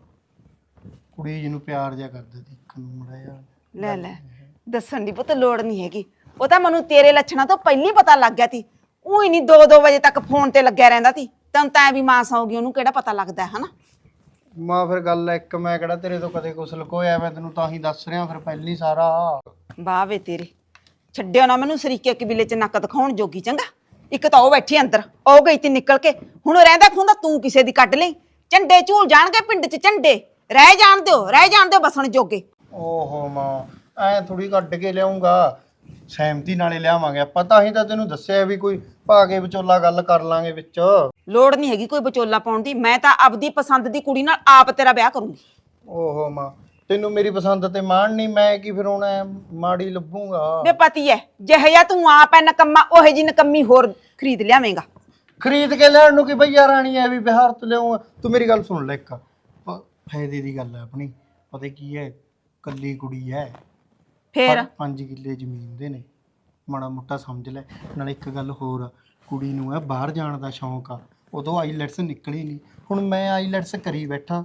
Speaker 2: ਕੁੜੀ ਜਿਹਨੂੰ ਪਿਆਰ ਜਿਹਾ ਕਰਦਾ ਸੀ, ਇੱਕ ਨੂੰ ਮੜਾ ਜਿਹਾ।
Speaker 5: ਲੈ ਲੈ, ਦੱਸਣ ਦੀ ਪੁੱਤ ਲੋੜ ਨਹੀਂ ਹੈਗੀ, ਉਹ ਤਾਂ ਮੈਨੂੰ ਤੇਰੇ ਲੱਛਣਾਂ ਤੋਂ ਪਹਿਲਾਂ ਹੀ ਪਤਾ ਲੱਗ ਗਿਆ ਸੀ। ਉਹ ਹੀ ਨਹੀਂ ਦੋ ਦੋ ਵਜੇ ਤੱਕ ਫੋਨ ਤੇ ਲੱਗਿਆ ਰਹਿੰਦਾ ਸੀ, ਤੈਨੂੰ ਤਾਂ ਵੀ ਮਾਂ ਸੌਗੀ, ਉਹਨੂੰ ਕਿਹੜਾ ਪਤਾ ਲੱਗਦਾ ਹਨਾ।
Speaker 2: ਮਾਂ ਫਿਰ ਗੱਲ ਇੱਕ, ਮੈਂ ਕਿਹੜਾ ਤੇਰੇ ਤੋਂ ਕਦੇ ਕੁਛ ਲੁਕੋਇਆ, ਮੈਂ ਤੈਨੂੰ ਤਾਂ ਹੀ ਦੱਸ ਰਿਹਾ ਫਿਰ ਪਹਿਲੀ ਸਾਰਾ।
Speaker 5: ਵਾਹ ਵੇ ਤੇਰੇ, ਛੱਡਿਓ ਨਾ ਮੈਨੂੰ ਸਰੀਕੇ ਕਬੀਲੇ ਚ ਨੱਕ ਦਿਖਾਉਣ ਜੋਗੀ। ਚੰਗਾ, ਇੱਕ ਤਾਂ ਉਹ ਬੈਠੀ ਅੰਦਰ, ਉਹ ਗਈ ਤੀ ਨਿਕਲ ਕੇ, ਹੁਣ ਰਹਿੰਦਾ ਖੁੰਦਾ ਤੂੰ ਕਿਸੇ ਦੀ ਕੱਢ ਲਈ। ਝੰਡੇ ਝੂਲ ਜਾਣਗੇ ਪਿੰਡ ਚ, ਝੰਡੇ ਰਹਿ ਜਾਣ ਦਿਓ, ਰਹਿ ਜਾਣ ਦਿਓ ਬਸਣ ਜੋਗੇ।
Speaker 2: ਓਹੋ ਮਾਂ, ਐ ਥੋੜੀ ਕੱਢ ਕੇ ਲਿਆਉਂਗਾ, ਸਹਿਮਤੀ ਨਾਲੇ ਲਿਆਵਾਂਗੇ ਆਪਾਂ, ਤਾਂ ਹੀ ਤਾਂ ਤੈਨੂੰ ਦੱਸਿਆ ਵੀ ਕੋਈ ਪਾ ਕੇ ਵਿਚੋਲਾ ਗੱਲ ਕਰ ਲਾਂਗੇ ਵਿੱਚ।
Speaker 5: ਲੋੜ ਨਹੀਂ ਹੈਗੀ ਕੋਈ ਵਿਚੋਲਾ ਪਾਉਣ ਦੀ, ਮੈਂ ਤਾਂ ਆਪਦੀ ਪਸੰਦ ਦੀ ਕੁੜੀ ਨਾਲ ਆਪ ਤੇਰਾ ਵਿਆਹ ਕਰੂੰਗੀ।
Speaker 2: ਓਹੋ ਮਾਂ, ਤੈਨੂੰ ਮੇਰੀ ਪਸੰਦ ਤੇ ਮਾਣ ਨਹੀਂ, ਮੈਂ ਕੀ ਫਿਰ ਹੁਣ ਐਂ ਮਾੜੀ ਲੱਭੂਗਾ?
Speaker 5: ਵੇ ਪਤੀ ਐ, ਜਿਹੇ ਜਿਹਾ ਤੂੰ ਆਪ ਐ ਨਕੰਮਾ, ਉਹੇ ਜੀ ਨਕੰਮੀ ਹੋਰ ਖਰੀਦ ਲਿਆਵੇਂਗਾ।
Speaker 2: ਖਰੀਦ ਕੇ ਲੈਣ ਨੂੰ ਕੀ ਭਈਆ ਰਾਣੀ ਐ ਵੀ ਬਿਹਾਰ ਤੋਂ ਲਿਆਉਂ? ਤੂੰ ਮੇਰੀ ਗੱਲ ਸੁਣ ਲੈ, ਇੱਕ ਪ- ਫਾਇਦੇ ਦੀ ਗੱਲ ਹੈ ਆਪਣੀ। ਪਤਾ ਕੀ ਹੈ, ਕੱਲੀ ਕੁੜੀ ਹੈ,
Speaker 5: ਫੇਰ
Speaker 2: ਪੰਜ ਕਿੱਲੇ ਜ਼ਮੀਨ ਦੇ ਨੇ, ਮਾੜਾ ਮੋਟਾ ਸਮਝ ਲੈ। ਨਾਲ ਇੱਕ ਗੱਲ ਹੋਰ ਆ, ਕੁੜੀ ਨੂੰ ਹੈ ਬਾਹਰ ਜਾਣ ਦਾ ਸ਼ੌਂਕ ਆ, ਉਦੋਂ ਆਈਲੈਟਸ ਨਿਕਲੀ ਨਹੀਂ, ਹੁਣ ਮੈਂ ਆਈਲੈਟਸ ਕਰੀ ਬੈਠਾ।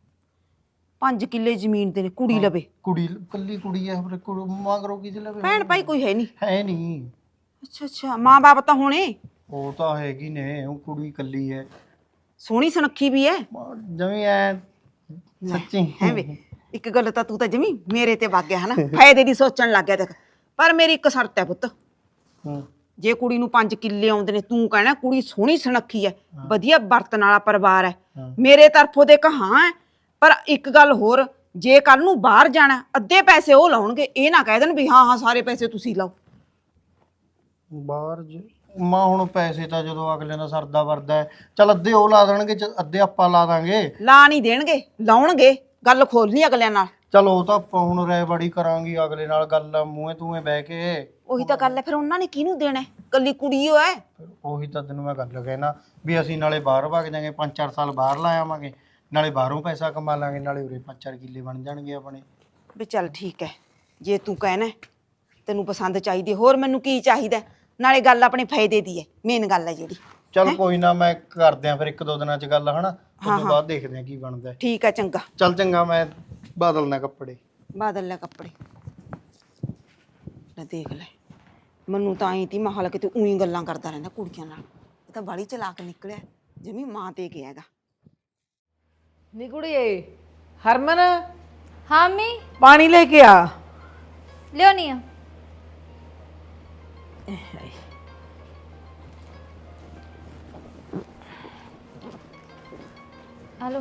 Speaker 5: ਪੰਜ ਕਿੱਲੇ ਜ਼ਮੀਨ ਦੇ ਨੇ, ਕੁੜੀ ਲਵੇ?
Speaker 2: ਕੁੜੀ ਕੱਲੀ ਕੁੜੀ ਹੈ, ਫਿਰ ਕੁੜੀ ਮਗਰੋਂ ਕੀ ਲਵੇ?
Speaker 5: ਭੈਣ ਭਾਈ ਕੋਈ ਹੈ ਨਹੀਂ?
Speaker 2: ਹੈ ਨਹੀਂ।
Speaker 5: ਅੱਛਾ ਅੱਛਾ, ਮਾਂ ਬਾਪ ਤਾਂ ਹੋਣੇ?
Speaker 2: ਉਹ ਤਾਂ ਹੈਗੀ ਨੇ, ਉਹ ਕੁੜੀ ਕੱਲੀ ਹੈ,
Speaker 5: ਸੋਹਣੀ ਸੁਨੱਖੀ ਵੀ ਐ
Speaker 2: ਜਮੀ ਐ ਸੱਚੀ।
Speaker 5: ਹੈ ਵੇ, ਇੱਕ ਗੱਲ ਤਾਂ ਤੂੰ ਤਾਂ ਜਮੀ ਮੇਰੇ ਤੇ ਵਗ ਗਿਆ ਹਨਾ, ਫਾਇਦੇ ਦੀ ਸੋਚਣ ਲੱਗ ਗਿਆ। ਦੇਖ, ਪਰ ਮੇਰੀ ਇੱਕ ਸ਼ਰਤ ਹੈ ਪੁੱਤ, ਜੇ ਕੁੜੀ ਨੂੰ ਪੰਜ ਕਿੱਲੇ ਆਉਂਦੇ ਨੇ, ਤੂੰ ਕਹਿਣਾ ਕੁੜੀ ਸੋਹਣੀ ਸੁਨੱਖੀ ਐ, ਵਧੀਆ ਬਰਤਨ ਵਾਲਾ ਪਰਿਵਾਰ ਹੈ, ਮੇਰੇ ਤਰਫੋਂ ਦੇ ਕਹਾਂ ਹੈ। ਪਰ ਇੱਕ ਗੱਲ ਹੋਰ, ਜੇ ਕੱਲ ਨੂੰ ਬਾਹਰ ਜਾਣਾ, ਅੱਧੇ ਪੈਸੇ ਉਹ ਲਾਉਣਗੇ, ਇਹ ਨਾ ਕਹਿ ਦੇਣ ਵੀ ਹਾਂ ਹਾਂ ਸਾਰੇ ਪੈਸੇ ਤੁਸੀਂ ਲਾਓ।
Speaker 2: ਬਾਹਰ ਮਾਂ ਹੁਣ ਪੈਸੇ ਤਾਂ ਜਦੋਂ ਅਗਲੇ ਦਾ ਸਰਦਾ ਵਰਦਾ ਹੈ, ਚੱਲ ਅੱਧੇ ਉਹ ਲਾ ਦੇਣਗੇ, ਚ- ਅੱਧੇ ਆਪਾਂ ਲਾ ਦਾਂਗੇ।
Speaker 5: ਲਾ ਨਹੀਂ ਦੇਣਗੇ, ਲਾਉਣਗੇ। ਗੱਲ ਖੋਲਣੀ ਅਗਲਿਆਂ ਨਾਲ।
Speaker 2: ਚਲ ਉਹ ਤਾਂ ਆਪਾਂ ਹੁਣ ਰਹਿ ਬੜੀ ਕਰਾਂਗੀ ਅਗਲੇ ਨਾਲ, ਗੱਲ ਮੂੰਹੇ ਤੂੰਹੇ ਬਹਿ ਕੇ।
Speaker 5: ਉਹੀ ਤਾਂ ਗੱਲ ਹੈ, ਫਿਰ ਉਹਨਾਂ ਨੇ ਕਿਹਨੂੰ ਦੇਣਾ? ਕੱਲੀ ਕੁੜੀ ਓ ਹੈ।
Speaker 2: ਫਿਰ ਉਹੀ ਤਾਂ ਤੈਨੂੰ ਮੈਂ ਗੱਲ ਕਹਿਣਾ ਵੀ ਅਸੀਂ ਨਾਲੇ ਬਾਹਰ ਵਗ ਜਾਾਂਗੇ, ਪੰਜ ਚਾਰ ਸਾਲ ਬਾਹਰ ਲਾ ਆਵਾਂਗੇ, ਨਾਲੇ ਬਾਹਰੋਂ ਪੈਸਾ ਕਮਾ ਲਾਂਗੇ, ਨਾਲੇ ਉਰੇ ਪੰਜ ਚਾਰ ਕਿੱਲੇ ਬਣ ਜਾਣਗੇ ਆਪਣੇ।
Speaker 5: ਵੀ ਚੱਲ ਠੀਕ ਹੈ, ਜੇ ਤੂੰ ਕਹਿਣਾ ਤੈਨੂੰ ਪਸੰਦ ਚਾਹੀਦੀ, ਹੋਰ ਮੈਨੂੰ ਕੀ ਚਾਹੀਦਾ? ਨਾਲੇ ਗੱਲ ਆਪਣੇ ਫਾਇਦੇ ਦੀ ਹੈ, ਮੇਨ ਗੱਲ ਹੈ ਜਿਹੜੀ।
Speaker 2: ਚੱਲ ਕੋਈ ਨਾ, ਮੈਂ ਕਰਦੇ ਆ ਫਿਰ ਇੱਕ ਦੋ ਦਿਨਾਂ ਚ ਗੱਲ, ਹਨਾ ਉਸ ਤੋਂ ਬਾਅਦ ਦੇਖਦੇ ਆ ਕੀ ਬਣਦਾ।
Speaker 5: ਠੀਕ ਹੈ, ਚੰਗਾ।
Speaker 2: ਚੱਲ ਚੰਗਾ, ਮੈਂ ਬਦਲਣਾ ਕੱਪੜੇ।
Speaker 5: ਬਾਦਲ ਲੈ ਕੱਪੜੇ। ਲੈ ਦੇਖ ਲੈ, ਮੈਨੂੰ ਤਾਂ ਆਈ ਤੀ ਮਹਾਲ ਕਿਤੇ ਉਹੀ ਗੱਲਾਂ ਕਰਦਾ ਰਹਿੰਦਾ ਕੁੜੀਆਂ ਨਾਲ। ਇਹ ਤਾਂ ਬਾਲੀ ਚਲਾਕ ਨਿਕਲਿਆ, ਜਿਵੇਂ ਮਾਂ ਤੇ ਗਿਆ ਹੈਗਾ।
Speaker 3: ਨੀ ਕੁੜੀਏ, ਹਰਮਨ
Speaker 6: ਹਾਂ ਮੰਮੀ,
Speaker 3: ਪਾਣੀ ਲੈ ਕੇ ਆ।
Speaker 6: ਲਿਆਉਣੀ ਆ। ਹਲੋ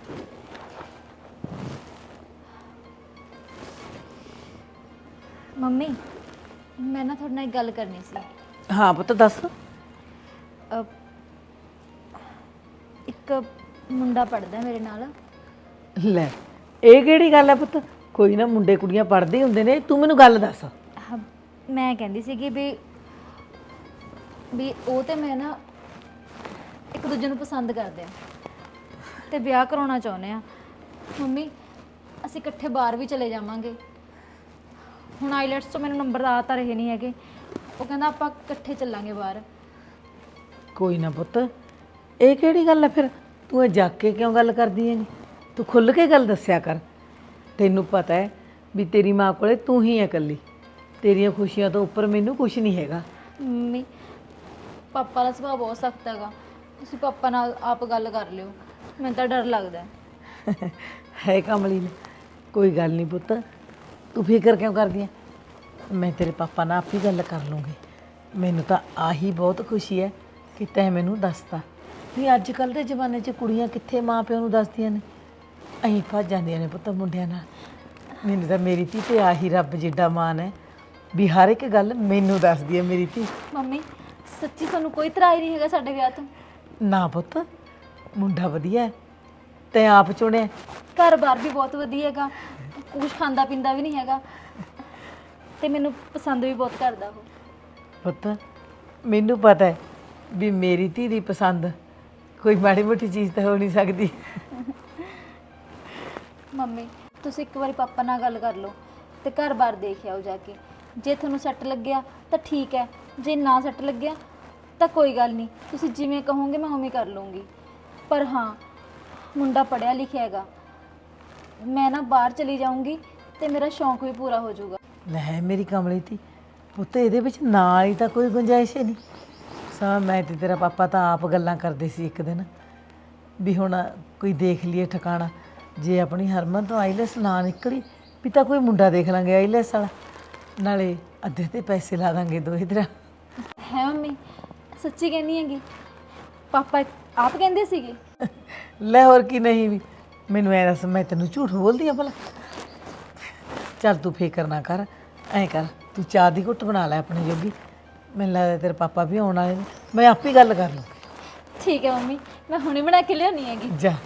Speaker 6: ਮੰਮੀ, ਮੈਂ ਨਾ ਤੁਹਾਡੇ ਨਾਲ ਇੱਕ ਗੱਲ ਕਰਨੀ ਸੀ।
Speaker 3: ਹਾਂ ਪੁੱਤ ਦੱਸ।
Speaker 6: ਅਹ, ਇੱਕ ਮੁੰਡਾ ਪੜਦਾ ਮੇਰੇ ਨਾਲ।
Speaker 3: ਲੈ ਇਹ ਕਿਹੜੀ ਗੱਲ ਹੈ ਪੁੱਤ? ਕੋਈ ਨਾ, ਮੁੰਡੇ ਕੁੜੀਆਂ ਪੜ੍ਹਦੇ ਹੁੰਦੇ ਨੇ, ਤੂੰ ਮੈਨੂੰ ਗੱਲ ਦੱਸ।
Speaker 6: ਹਾਂ, ਮੈਂ ਕਹਿੰਦੀ ਸੀਗੀ ਵੀ ਵੀ ਉਹ ਤੇ ਮੈਂ ਨਾ ਇੱਕ ਦੂਜੇ ਨੂੰ ਪਸੰਦ ਕਰਦੇ ਆ ਤੇ ਵਿਆਹ ਕਰਾਉਣਾ ਚਾਹੁੰਦੇ ਆ। ਮੰਮੀ, ਅਸੀਂ ਇਕੱਠੇ ਬਾਹਰ ਵੀ ਚਲੇ ਜਾਵਾਂਗੇ। ਹੁਣ ਆਈਲੈਟਸ ਤੋਂ ਮੈਨੂੰ ਨੰਬਰ ਆ ਤਾਂ ਰਹੇ ਨਹੀਂ ਹੈਗੇ। ਉਹ ਕਹਿੰਦਾ ਆਪਾਂ ਇਕੱਠੇ ਚੱਲਾਂਗੇ ਬਾਹਰ।
Speaker 3: ਕੋਈ ਨਾ ਪੁੱਤ, ਇਹ ਕਿਹੜੀ ਗੱਲ ਹੈ ਫਿਰ? ਤੂੰ ਇਹ ਜਾ ਕੇ ਕਿਉਂ ਗੱਲ ਕਰਦੀ ਹੈਗੀ? ਤੂੰ ਖੁੱਲ੍ਹ ਕੇ ਗੱਲ ਦੱਸਿਆ ਕਰ। ਤੈਨੂੰ ਪਤਾ ਹੈ ਵੀ ਤੇਰੀ ਮਾਂ ਕੋਲੇ ਤੂੰ ਹੀ ਹੈ ਇਕੱਲੀ। ਤੇਰੀਆਂ ਖੁਸ਼ੀਆਂ ਤੋਂ ਉੱਪਰ ਮੈਨੂੰ ਕੁਝ ਨਹੀਂ ਹੈਗਾ।
Speaker 6: ਮੰਮੀ, ਪਾਪਾ ਦਾ ਸੁਭਾਅ ਬਹੁਤ ਸਖਤ ਹੈਗਾ। ਤੁਸੀਂ ਪਾਪਾ ਨਾਲ ਆਪ ਗੱਲ ਕਰ ਲਿਓ, ਮੈਨੂੰ ਤਾਂ ਡਰ ਲੱਗਦਾ ਹੈ।
Speaker 3: ਹੈ ਕਮਲੀ ਨੇ। ਕੋਈ ਗੱਲ ਨਹੀਂ ਪੁੱਤ, ਤੂੰ ਫਿਕਰ ਕਿਉਂ ਕਰਦੀ ਹੈ? ਮੈਂ ਤੇਰੇ ਪਾਪਾ ਨਾਲ ਆਪ ਹੀ ਗੱਲ ਕਰ ਲੂੰਗੀ। ਮੈਨੂੰ ਤਾਂ ਆਹੀ ਬਹੁਤ ਖੁਸ਼ੀ ਹੈ ਕਿ ਤੈਂ ਮੈਨੂੰ ਦੱਸਤਾ। ਨਹੀਂ ਅੱਜ ਕੱਲ੍ਹ ਦੇ ਜ਼ਮਾਨੇ 'ਚ ਕੁੜੀਆਂ ਕਿੱਥੇ ਮਾਂ ਪਿਓ ਨੂੰ ਦੱਸਦੀਆਂ ਨੇ, ਅਸੀਂ ਭੱਜ ਜਾਂਦੀਆਂ ਨੇ ਪੁੱਤ ਮੁੰਡਿਆਂ ਨਾਲ। ਮੈਨੂੰ ਤਾਂ ਮੇਰੀ ਧੀ ਤੇ ਆਹੀ ਰੱਬ ਜਿੱਡਾ ਮਾਣ ਹੈ ਵੀ ਹਰ ਇੱਕ ਗੱਲ ਮੈਨੂੰ ਦੱਸਦੀ ਹੈ ਮੇਰੀ ਧੀ।
Speaker 6: ਮੰਮੀ, ਸੱਚੀ ਤੁਹਾਨੂੰ ਕੋਈ ਇਤਰਾਜ਼ ਨਹੀਂ ਹੈਗਾ ਸਾਡੇ ਵਿਆਹ ਤੋਂ?
Speaker 3: ਨਾ ਪੁੱਤ, ਮੁੰਡਾ ਵਧੀਆ ਹੈ, ਤੈਂ ਆਪ ਚੁਣਿਆ।
Speaker 6: ਘਰ-ਬਾਰ ਵੀ ਬਹੁਤ ਵਧੀਆ ਹੈਗਾ, ਕੁਛ ਖਾਂਦਾ ਪੀਂਦਾ ਵੀ ਨਹੀਂ ਹੈਗਾ ਤੇ ਮੈਨੂੰ ਪਸੰਦ ਵੀ ਬਹੁਤ ਕਰਦਾ ਉਹ।
Speaker 3: ਪੁੱਤ ਮੈਨੂੰ ਪਤਾ ਹੈ ਵੀ ਮੇਰੀ ਧੀ ਦੀ ਪਸੰਦ ਕੋਈ ਮਾੜੀ ਮੋਟੀ ਚੀਜ਼ ਤਾਂ ਹੋ ਨਹੀਂ ਸਕਦੀ।
Speaker 6: ਮੰਮੀ, ਤੁਸੀਂ ਇੱਕ ਵਾਰੀ ਪਾਪਾ ਨਾਲ ਗੱਲ ਕਰ ਲਓ ਤੇ ਘਰ-ਬਾਰ ਦੇਖ ਆਓ ਜਾ ਕੇ। ਜੇ ਤੁਹਾਨੂੰ ਸੈੱਟ ਲੱਗਿਆ ਤਾਂ ਠੀਕ ਹੈ, ਜੇ ਨਾ ਸੈੱਟ ਲੱਗਿਆ ਤਾਂ ਕੋਈ ਗੱਲ ਨਹੀਂ, ਤੁਸੀਂ ਜਿਵੇਂ ਕਹੋਗੇ ਮੈਂ ਉਵੇਂ ਕਰ ਲੂੰਗੀ। ਪਰ ਹਾਂ, ਮੁੰਡਾ ਪੜ੍ਹਿਆ ਲਿਖਿਆ ਹੈਗਾ। ਮੈਂ ਨਾ ਬਾਹਰ ਚਲੀ ਜਾਊਂਗੀ ਤੇ ਮੇਰਾ ਸ਼ੌਂਕ ਵੀ ਪੂਰਾ ਹੋ ਜਾਊਗਾ।
Speaker 3: ਲੈ ਮੇਰੀ ਕਮਲੀ ਧੀ, ਪੁੱਤ ਇਹਦੇ ਵਿੱਚ ਨਾਲ ਹੀ ਤਾਂ ਕੋਈ ਗੁੰਜਾਇਸ਼ ਹੀ ਨਹੀਂ। ਸਾ ਮੈਂ ਤੇ ਤੇਰਾ ਪਾਪਾ ਤਾਂ ਆਪ ਗੱਲਾਂ ਕਰਦੇ ਸੀ ਇੱਕ ਦਿਨ ਵੀ ਹੁਣ ਕੋਈ ਦੇਖ ਲਈਏ ਠਿਕਾਣਾ। ਜੇ ਆਪਣੀ ਹਰਮਨ ਤੋਂ ਆਈਲੈਸ ਨਾ ਨਿਕਲੀ ਵੀ ਤਾਂ ਕੋਈ ਮੁੰਡਾ ਦੇਖ ਲਾਂਗੇ ਆਈਲੈਸ ਵਾਲਾ, ਨਾਲੇ ਅੱਧੇ ਤੇ ਪੈਸੇ ਲਾ ਦਾਂਗੇ ਦੋ ਇਧਰ।
Speaker 6: ਹੈ ਮੰਮੀ, ਸੱਚੀ ਕਹਿੰਦੀ ਹੈਗੀ? ਪਾਪਾ ਆਪ ਕਹਿੰਦੇ ਸੀਗੇ?
Speaker 3: ਲੈ ਹੋਰ ਕੀ, ਨਹੀਂ ਵੀ ਮੈਨੂੰ ਐ ਦੱਸ, ਮੈਂ ਤੈਨੂੰ ਝੂਠ ਬੋਲਦੀ ਆ ਭਲਾ? ਚੱਲ ਤੂੰ ਫਿਕਰ ਨਾ ਕਰ, ਐਂ ਕਰ ਤੂੰ ਚਾਹ ਦੀ ਘੁੱਟ ਬਣਾ ਲੈ ਆਪਣੇ ਜੋਗੀ। ਮੈਨੂੰ ਲੱਗਦਾ ਤੇਰੇ ਪਾਪਾ ਵੀ ਆਉਣ ਵਾਲੇ ਨੇ, ਮੈਂ ਆਪੇ ਗੱਲ ਕਰ ਲੂੰ।
Speaker 6: ਠੀਕ ਹੈ ਮੰਮੀ, ਮੈਂ ਹੁਣੇ ਬਣਾ ਕੇ ਲਿਆਉਣੀ ਹੈਗੀ।
Speaker 3: ਜਾ।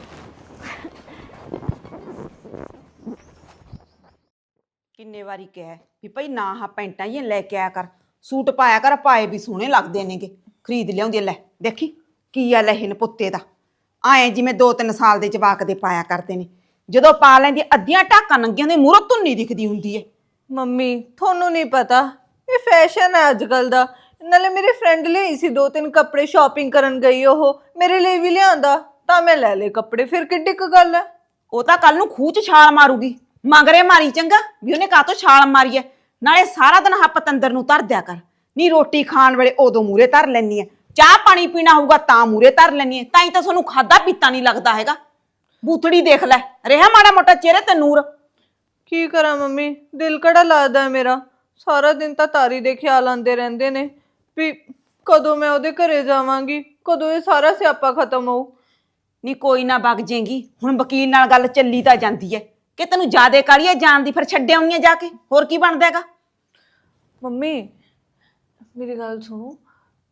Speaker 5: ਕਿੰਨੇ ਵਾਰੀ ਕਿਹਾ ਵੀ ਭਾਈ ਨਾ ਹਾਂ ਪੈਂਟਾਂ ਹੀ ਲੈ ਕੇ ਆਇਆ ਕਰ, ਸੂਟ ਪਾਇਆ ਕਰ, ਪਾਏ ਵੀ ਸੋਹਣੇ ਲੱਗਦੇ ਨੇਗੇ। ਖਰੀਦ ਲਿਆਉਂਦੀ। ਲੈ ਦੇਖੀ ਕੀ ਆ ਲਹਿਨ ਪੁੱਤੇ ਦਾ, ਆਏ ਜਿਵੇਂ ਦੋ ਤਿੰਨ ਸਾਲ ਦੇ ਜਵਾਕ ਦੇ ਪਾਇਆ ਕਰਦੇ ਨੇ। ਜਦੋਂ ਪਾ ਲੈਂਦੀ ਅੱਧੀਆਂ ਢਾਕਾਂ ਨੰਗੀਆਂ ਦੇ ਮੂਹਰੋਂ ਧੁੰਨੀ ਦਿਖਦੀ ਹੁੰਦੀ ਹੈ।
Speaker 1: ਮੰਮੀ ਤੁਹਾਨੂੰ ਨਹੀਂ ਪਤਾ, ਇਹ ਫੈਸ਼ਨ ਹੈ ਅੱਜ ਕੱਲ ਦਾ। ਨਾਲੇ ਮੇਰੇ ਫਰੈਂਡ ਲਈ ਸੀ ਦੋ ਤਿੰਨ ਕੱਪੜੇ, ਸ਼ਾਪਿੰਗ ਕਰਨ ਗਈ, ਉਹ ਮੇਰੇ ਲਈ ਵੀ ਲਿਆਂਦਾ ਤਾਂ ਮੈਂ ਲੈ ਲਏ ਕੱਪੜੇ। ਫਿਰ ਕਿੱਡੀ ਕੁ ਗੱਲ ਹੈ?
Speaker 5: ਉਹ ਤਾਂ ਕੱਲ ਨੂੰ ਖੂਹ ਚ ਛਾਲ ਮਾਰੂਗੀ, ਮਗਰੇ ਮਾਰੀ ਚੰਗਾ ਵੀ ਉਹਨੇ ਕਾਹਤੋਂ ਛਾਲ ਮਾਰੀ ਐ। ਨਾਲੇ ਸਾਰਾ ਦਿਨ ਹੱਪ ਤੰਦਰ ਨੂੰ ਧਰ ਦਿਆ ਕਰ। ਨੀ ਰੋਟੀ ਖਾਣ ਵੇਲੇ ਉਦੋਂ ਮੂਰੇ ਧਰ ਲੈਣੀ ਐ, ਚਾਹ ਪਾਣੀ ਪੀਣਾ ਹੋਊਗਾ ਤਾਂ ਮੂਰੇ ਧਰ ਲੈਣੀ ਐ। ਤਾਂ ਹੀ ਤਾਂ ਤੁਹਾਨੂੰ ਖਾਦਾ ਪੀਤਾ ਨਹੀਂ ਲੱਗਦਾ ਹੈਗਾ। ਬੂਥੜੀ ਦੇਖ ਲੈ, ਰਿਹਾ ਮਾੜਾ ਮੋਟਾ ਚਿਹਰੇ ਤੇ ਨੂਰ।
Speaker 1: ਕੀ ਕਰਾਂ ਮੰਮੀ, ਦਿਲ ਕਿਹੜਾ ਲੱਗਦਾ ਹੈ ਮੇਰਾ। ਸਾਰਾ ਦਿਨ ਤਾਂ ਤਾਰੀ ਦੇ ਖਿਆਲ ਆਉਂਦੇ ਰਹਿੰਦੇ ਨੇ ਵੀ ਕਦੋਂ ਮੈਂ ਉਹਦੇ ਘਰੇ ਜਾਵਾਂਗੀ, ਕਦੋਂ ਇਹ ਸਾਰਾ ਸਿਆਪਾ ਖਤਮ ਹੋਊ।
Speaker 5: ਨੀ ਕੋਈ ਨਾ ਵਗ ਜੇਗੀ, ਹੁਣ ਵਕੀਲ ਨਾਲ ਗੱਲ ਚੱਲੀ ਤਾਂ ਜਾਂਦੀ ਐ ਕਿ ਤੈਨੂੰ ਜ਼ਿਆਦੇ ਕਾਹਲੀ ਐ ਜਾਣ ਦੀ, ਫਿਰ ਛੱਡ ਆਉਣੀ ਐ ਜਾ ਕੇ, ਹੋਰ ਕੀ ਬਣਦਾ ਹੈਗਾ।
Speaker 1: ਮੰਮੀ ਮੇਰੀ ਗੱਲ ਸੁਣੋ,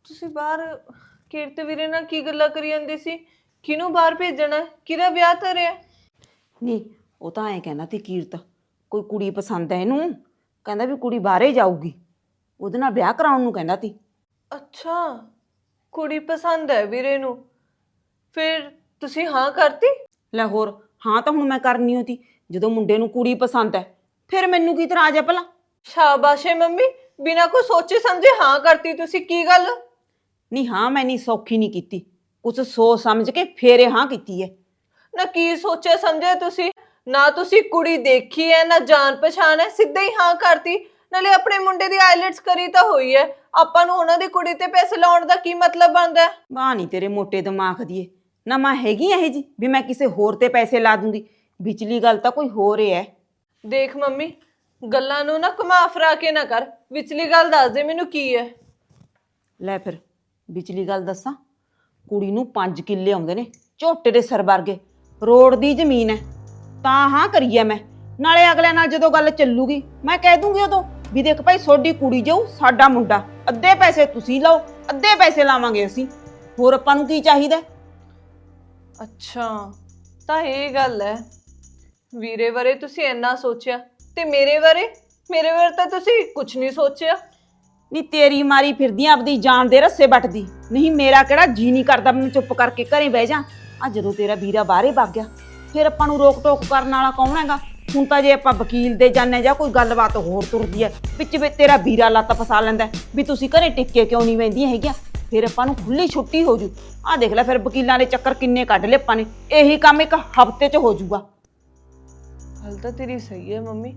Speaker 1: ਤੁਸੀਂ ਬਾਹਰ ਕੀਰਤ ਵੀਰੇ ਨਾਲ ਕੀ ਗੱਲਾਂ ਕਰੀ ਜਾਂਦੇ ਸੀ? ਕਿਹਨੂੰ ਬਾਹਰ ਭੇਜਣਾ? ਕਿਹਦਾ ਵਿਆਹ ਧਰਿਆ?
Speaker 5: ਨਹੀਂ ਉਹ ਤਾਂ ਐਂ ਕਹਿੰਦਾ ਤੀ ਕੀਰਤ ਕੋਈ ਕੁੜੀ ਪਸੰਦ ਹੈ ਇਹਨੂੰ, ਕਹਿੰਦਾ ਵੀ ਕੁੜੀ ਬਾਹਰੇ ਜਾਊਗੀ, ਉਹਦੇ ਨਾਲ ਵਿਆਹ ਕਰਾਉਣ ਨੂੰ ਕਹਿੰਦਾ ਤੀ।
Speaker 1: ਅੱਛਾ, ਕੁੜੀ ਪਸੰਦ ਹੈ ਵੀਰੇ ਨੂੰ, ਫਿਰ ਤੁਸੀਂ ਹਾਂ ਕਰਤੀ?
Speaker 5: ਲੈ ਹੋਰ, ਹਾਂ ਤਾਂ ਹੁਣ ਮੈਂ ਕਰਨੀ ਹੋਤੀ, ਜਦੋਂ ਮੁੰਡੇ ਨੂੰ ਕੁੜੀ ਪਸੰਦ ਹੈ ਫਿਰ ਮੈਨੂੰ ਕੀ ਇਤਰਾਜ਼ ਹੈ ਭਲਾ?
Speaker 1: ਸ਼ਾਬਾਸ਼ ਏ ਮੰਮੀ, ਬਿਨਾਂ ਕੋਈ ਸੋਚੇ ਸਮਝੇ ਹਾਂ ਕਰਤੀ ਤੁਸੀਂ। ਕੀ ਗੱਲ?
Speaker 5: ਨਹੀਂ ਹਾਂ ਮੈਂ ਨਹੀਂ ਸੌਖੀ ਨਹੀਂ ਕੀਤੀ, ਕੁਛ ਸੋਚ ਸਮਝ ਕੇ ਫੇਰ ਇਹ ਹਾਂ ਕੀਤੀ ਹੈ।
Speaker 1: ਨਾ ਕੀ ਸੋਚਿਆ ਸਮਝਿਆ ਤੁਸੀਂ? ਨਾ ਤੁਸੀਂ ਕੁੜੀ ਦੇਖੀ ਹੈ ਨਾ ਜਾਣ ਪਛਾਣ ਹੈ, ਸਿੱਧਾ ਹੀ ਹਾਂ ਕਰਤੀ। ਨਾਲੇ ਆਪਣੇ ਮੁੰਡੇ ਦੀ ਆਈਲੈਟਸ ਕਰੀ ਤਾਂ ਹੋਈ ਹੈ, ਆਪਾਂ ਨੂੰ ਉਹਨਾਂ ਦੀ ਕੁੜੀ ਤੇ ਪੈਸੇ ਲਾਉਣ ਦਾ ਕੀ ਮਤਲਬ ਬਣਦਾ ਹੈ?
Speaker 5: ਵਾਹ ਨਹੀਂ ਤੇਰੇ ਮੋਟੇ ਦਿਮਾਗ ਦੀ ਏ, ਨਾ ਮੈਂ ਹੈਗੀ ਇਹ ਜੀ ਵੀ ਮੈਂ ਕਿਸੇ ਹੋਰ ਤੇ ਪੈਸੇ ਲਾ ਦੂੰਗੀ। ਵਿਚਲੀ ਗੱਲ ਤਾਂ ਕੋਈ ਹੋਰ ਹੈ।
Speaker 1: ਦੇਖ ਮੰਮੀ, ਗੱਲਾਂ ਨੂੰ ਨਾ ਘੁਮਾ ਫਰਾ ਕੇ ਨਾ ਕਰ, ਵਿਚਲੀ ਗੱਲ ਦੱਸ ਦੇ ਮੈਨੂੰ ਕੀ ਹੈ।
Speaker 5: ਲੈ ਫਿਰ ਵਿਚਲੀ ਗੱਲ ਦੱਸਾਂ, ਕੁੜੀ ਨੂੰ ਪੰਜ ਕਿੱਲੇ ਆਉਂਦੇ ਨੇ ਝੋਟੇ ਦੇ ਸਿਰ ਵਰਗੇ, ਰੋਡ ਦੀ ਜ਼ਮੀਨ ਹੈ, ਤਾਂ ਹਾਂ ਕਰੀਏ ਮੈਂ। ਨਾਲੇ ਅਗਲੇ ਨਾਲ ਜਦੋਂ ਗੱਲ ਚੱਲੂਗੀ ਮੈਂ ਕਹਿ ਦੂੰਗੀ ਉਦੋਂ ਵੀ ਦੇਖ ਭਾਈ ਤੁਹਾਡੀ ਕੁੜੀ ਜਾਊ, ਸਾਡਾ ਮੁੰਡਾ, ਅੱਧੇ ਪੈਸੇ ਤੁਸੀਂ ਲਓ ਅੱਧੇ ਪੈਸੇ ਲਾਵਾਂਗੇ ਅਸੀਂ, ਹੋਰ ਆਪਾਂ ਨੂੰ ਕੀ ਚਾਹੀਦਾ?
Speaker 1: ਅੱਛਾ, ਤਾਂ ਇਹ ਗੱਲ ਹੈ। ਵੀਰੇ ਬਾਰੇ ਤੁਸੀਂ ਇੰਨਾ ਸੋਚਿਆ ਤੇ ਮੇਰੇ ਬਾਰੇ? ਮੇਰੇ ਬਾਰੇ ਤਾਂ ਤੁਸੀਂ ਕੁਝ ਨਹੀਂ ਸੋਚਿਆ।
Speaker 5: ਨਹੀਂ ਤੇਰੀ ਮਾਰੀ ਫਿਰਦੀ ਆਂ ਆਪਦੀ ਜਾਨ ਦੇ ਰੱਸੇ ਵੱਟਦੀ, ਨਹੀਂ ਮੇਰਾ ਕਿਹੜਾ ਜੀ ਨਹੀਂ ਕਰਦਾ ਮੈਂ ਚੁੱਪ ਕਰਕੇ ਘਰੇ ਬਹਿ ਜਾ। ਆ ਜਦੋਂ ਤੇਰਾ ਵੀਰਾ ਬਾਹਰੇ ਵਗ ਗਿਆ ਫਿਰ ਆਪਾਂ ਨੂੰ ਰੋਕ ਟੋਕ ਕਰਨ ਵਾਲਾ ਕੌਣ ਹੈਗਾ? ਹੁਣ ਤਾਂ ਜੇ ਆਪਾਂ ਵਕੀਲ ਦੇ ਜਾਣੇ ਜਾਂ ਕੋਈ ਗੱਲਬਾਤ ਹੋਰ ਤੁਰਦੀ ਹੈ ਵਿੱਚ ਵਿੱਚ ਤੇਰਾ ਵੀਰਾ ਲੱਤ ਫਸਾ ਲੈਂਦਾ ਵੀ ਤੁਸੀਂ ਘਰੇ ਟਿੱਕੇ ਕਿਉਂ ਨਹੀਂ ਬੈਂਦੀਆਂ ਹੈਗੀਆਂ, ਫਿਰ ਆਪਾਂ ਨੂੰ ਖੁੱਲੀ ਛੁੱਟੀ ਹੋ ਜੂ। ਆਹ ਦੇਖ ਲੈ ਫਿਰ ਵਕੀਲਾਂ ਦੇ ਚੱਕਰ ਕਿੰਨੇ ਕੱਢ ਲਏ ਆਪਾਂ ਨੇ, ਇਹੀ ਕੰਮ ਇੱਕ ਹਫ਼ਤੇ 'ਚ ਹੋ ਜੂਗਾ।
Speaker 1: ਗੱਲ ਤਾਂ ਤੇਰੀ ਸਹੀ ਹੈ ਮੰਮੀ,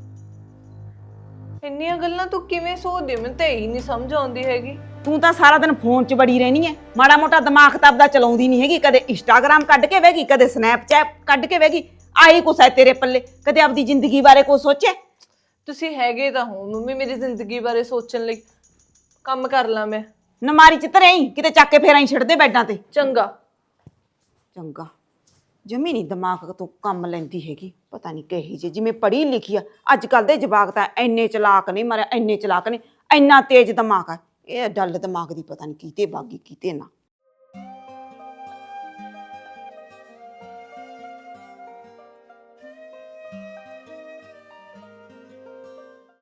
Speaker 1: ਇੰਨੀਆਂ ਗੱਲਾਂ ਤੂੰ ਕਿਵੇਂ ਸੋਚਦੀ? ਮੈਨੂੰ ਤਾਂ ਇਹੀ ਨਹੀਂ ਸਮਝ ਆਉਂਦੀ ਹੈਗੀ।
Speaker 5: ਤੂੰ ਤਾਂ ਸਾਰਾ ਦਿਨ ਫੋਨ 'ਚ ਬੜੀ ਰਹਿਣੀ ਹੈ, ਮਾੜਾ ਮੋਟਾ ਦਿਮਾਗ ਤਾਂ ਆਪਦਾ ਚਲਾਉਂਦੀ ਨਹੀਂ ਹੈਗੀ। ਕਦੇ ਇੰਸਟਾਗ੍ਰਾਮ ਕੱਢ ਕੇ ਬਹਿ ਗਈ, ਕਦੇ ਸਨੈਪਚੈਟ ਕੱਢ ਕੇ ਬਹਿ ਗਈ, ਆਹੀ ਕੁਛ ਹੈ ਤੇਰੇ ਪੱਲੇ। ਕਦੇ ਆਪਦੀ ਜ਼ਿੰਦਗੀ ਬਾਰੇ ਕੁਛ ਸੋਚਿਆ?
Speaker 1: ਤੁਸੀਂ ਹੈਗੇ ਤਾਂ ਹੋ ਮੰਮੀ ਮੇਰੀ ਜ਼ਿੰਦਗੀ ਬਾਰੇ ਸੋਚਣ ਲਈ। ਕੰਮ ਕਰ ਲਾਂ ਮੈਂ।
Speaker 5: ਨਮਾਰੀ 'ਚ ਧਰੇ ਹੀ ਕਿਤੇ ਚੱਕ ਕੇ ਫੇਰ ਆਈ ਛੱਡਦੇ ਬੈਡਾਂ ਤੇ।
Speaker 1: ਚੰਗਾ
Speaker 5: ਚੰਗਾ, ਜਮੀ ਨਹੀਂ ਦਿਮਾਗ ਤੋਂ ਕੰਮ ਲੈਂਦੀ ਹੈਗੀ, ਪਤਾ ਨਹੀਂ ਕਹੀ ਜੇ ਜਿਵੇਂ ਪੜ੍ਹੀ ਲਿਖੀ ਆ। ਅੱਜ ਕੱਲ ਦੇ ਜਵਾਕ ਤਾਂ ਇੰਨੇ ਚਲਾਕ ਨਹੀਂ, ਮਾਰਿਆ ਇੰਨੇ ਚਲਾਕ ਨੇ, ਇੰਨਾ ਤੇਜ਼ ਦਿਮਾਗ ਆ। ਇਹ ਡੱਲ ਦਿਮਾਗ ਦੀ ਪਤਾ ਨਹੀਂ ਕੀਤੇ ਬਾਗੀ ਕੀਤੇ ਨਾ।